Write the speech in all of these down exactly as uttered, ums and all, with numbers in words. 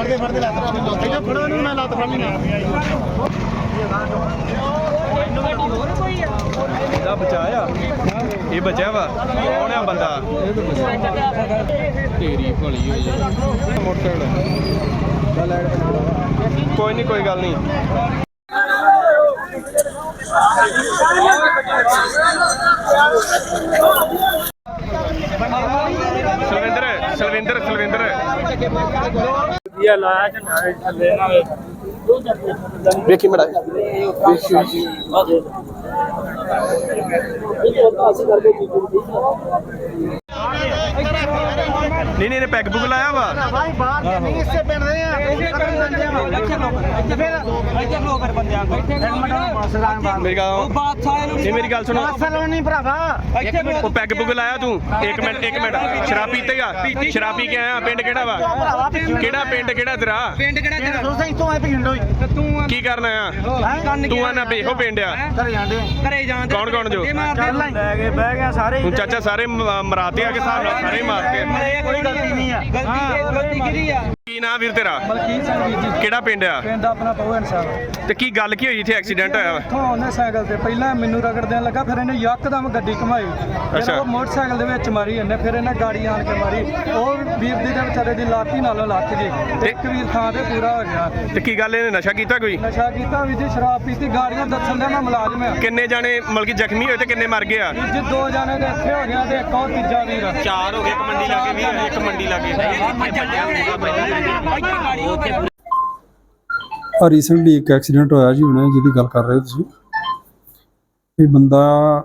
बचाया ये बचा वा कौन है बंदा तेरी भली कोई नहीं कोई गल नहीं सलविंदर सलविंदर सलविंदर देखी बड़ा नहीं नहीं पैग पुग लाया वा मेरी गल सुनो पैग पुग लाया तू एक मिनट एक मिनट शराब पीते गा शराब पी के आया पिंड केड़ा वा केड़ा पिंड केड़ा तेरा की करना आ तू आना बेहो पिंड आ कौन कौन जो चाचा सारे मराते आ के सारे मारते कोई गलती नहीं है गलती किहदी है ਕੀ ਨਾਂ ਵੀਰ ਤੇਰਾ ਕਿਹੜਾ ਪਿੰਡ ਆ ਪਿੰਡ ਆਪਣਾ ਪਵਨ ਸਾਹਿਬ ਤੇ ਕੀ ਗੱਲ ਕੀ ਹੋਈ ਇੱਥੇ ਐਕਸੀਡੈਂਟ ਹੋਇਆ ਵਾ ਇੱਥੋਂ ਉਹਨੇ ਸਾਈਕਲ ਤੇ ਪਹਿਲਾਂ ਮੈਨੂੰ ਰਗੜ ਦੇਣ ਲੱਗਾ ਫਿਰ ਇਹਨੇ ਯਕਦਮ ਗੱਡੀ ਘਮਾਈ ਫਿਰ ਉਹ ਮੋਟਰਸਾਈਕਲ ਦੇ ਵਿੱਚ ਮਾਰੀ ਇਹਨੇ ਫਿਰ ਇਹਨੇ ਗਾੜੀ ਆਣ ਕੇ ਮਾਰੀ ਉਹ ਵੀਰ ਦੀ ਤੇ ਵਿਚਾਰੇ ਦੀ ਲਾਤੀ ਨਾਲੋਂ ਲੱਥ ਗਈ ਤੇ ਇੱਕ ਵੀਰ ਥਾਂ ਤੇ ਪੂਰਾ ਹੋ ਗਿਆ ਤੇ ਕੀ ਗੱਲ ਇਹਨੇ ਨਸ਼ਾ ਕੀਤਾ ਕੋਈ ਨਸ਼ਾ ਕੀਤਾ ਵੀ ਜੀ ਸ਼ਰਾਬ ਪੀਤੀ ਗਾੜੀਆਂ ਦੱਸਣ ਦਾ ਮੈਂ ਮੁਲਾਜ਼ਮ ਆ ਕਿੰਨੇ ਜਾਣੇ ਮਤਲਬ ਕਿ ਜ਼ਖਮੀ ਹੋਏ ਤੇ ਕਿੰਨੇ ਮਰ ਗਏ ਆ ਜੀ ਦੋ ਜਾਣੇ ਦੇ ਇੱਥੇ ਹੋ ਗਿਆ ਤੇ ਇੱਕ ਉਹ ਤੀਜਾ ਵੀਰ ਚਾਰ ਹੋ ਗਏ ਇੱਕ ਮੰਡੀ ਲਾਗੇ ਵੀ ਇੱਕ ਮੰਡੀ ਲਾਗੇ ਰੀਸੈਂਟਲੀ ਇੱਕ ਐਕਸੀਡੈਂਟ ਹੋਇਆ ਜੀ ਹੁਣੇ ਜਿਹਦੀ ਗੱਲ ਕਰ ਰਹੇ ਹੋ ਤੁਸੀਂ ਇਹ ਬੰਦਾ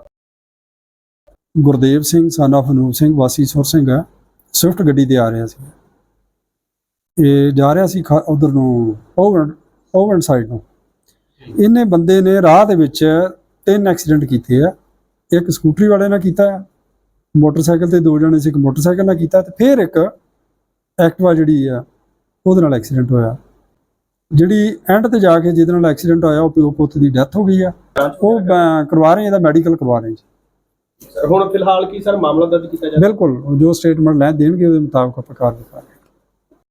ਗੁਰਦੇਵ ਸਿੰਘ son of ਅਨੂਪ ਸਿੰਘ ਵਾਸੀ ਸੁਰ ਸਿੰਘ ਹੈ ਸਵਿਫਟ ਗੱਡੀ ਤੇ ਆ ਰਿਹਾ ਸੀ ਇਹ ਜਾ ਰਿਹਾ ਸੀ ਉਧਰ ਨੂੰ ਓਵਨ ਓਵਨ ਸਾਈਡ ਨੂੰ ਇਹਨੇ ਬੰਦੇ ਨੇ ਰਾਹ ਦੇ ਵਿੱਚ ਤਿੰਨ ਐਕਸੀਡੈਂਟ ਕੀਤੇ ਆ ਇੱਕ ਸਕੂਟਰੀ ਵਾਲੇ ਨਾਲ ਕੀਤਾ ਮੋਟਰਸਾਈਕਲ ਤੇ ਦੋ ਜਣੇ ਸੀ ਇੱਕ ਮੋਟਰਸਾਈਕਲ ਨਾਲ ਕੀਤਾ ਤੇ ਫਿਰ ਇੱਕ ਐਕਟਿਵਾ ਜਿਹੜੀ ਆ ਉਹਦੇ ਨਾਲ ਐਕਸੀਡੈਂਟ ਹੋਇਆ ਜਿਹੜੀ ਐਂਡ ਤੇ ਜਾ ਕੇ ਜਿਹਦੇ ਨਾਲ ਐਕਸੀਡੈਂਟ ਹੋਇਆ ਉਹ ਪਿਓ ਪੁੱਤ ਦੀ ਡੈਥ ਹੋ ਗਈ ਆ ਉਹ ਕਰਵਾ ਰਹੇ ਇਹਦਾ ਮੈਡੀਕਲ ਕਰਵਾ ਰਹੇ ਜੀ ਹੁਣ ਫਿਲਹਾਲ ਕੀ ਸਰ ਮਾਮਲਾ ਦਰਜ ਕੀਤਾ ਜਾ ਬਿਲਕੁਲ ਜੋ ਸਟੇਟਮੈਂਟ ਲੈ ਦੇਣਗੇ ਉਹਦੇ ਮੁਤਾਬਕ ਆਪਾਂ ਕਾਰਵਾਈ ਕਰਾਂਗੇ।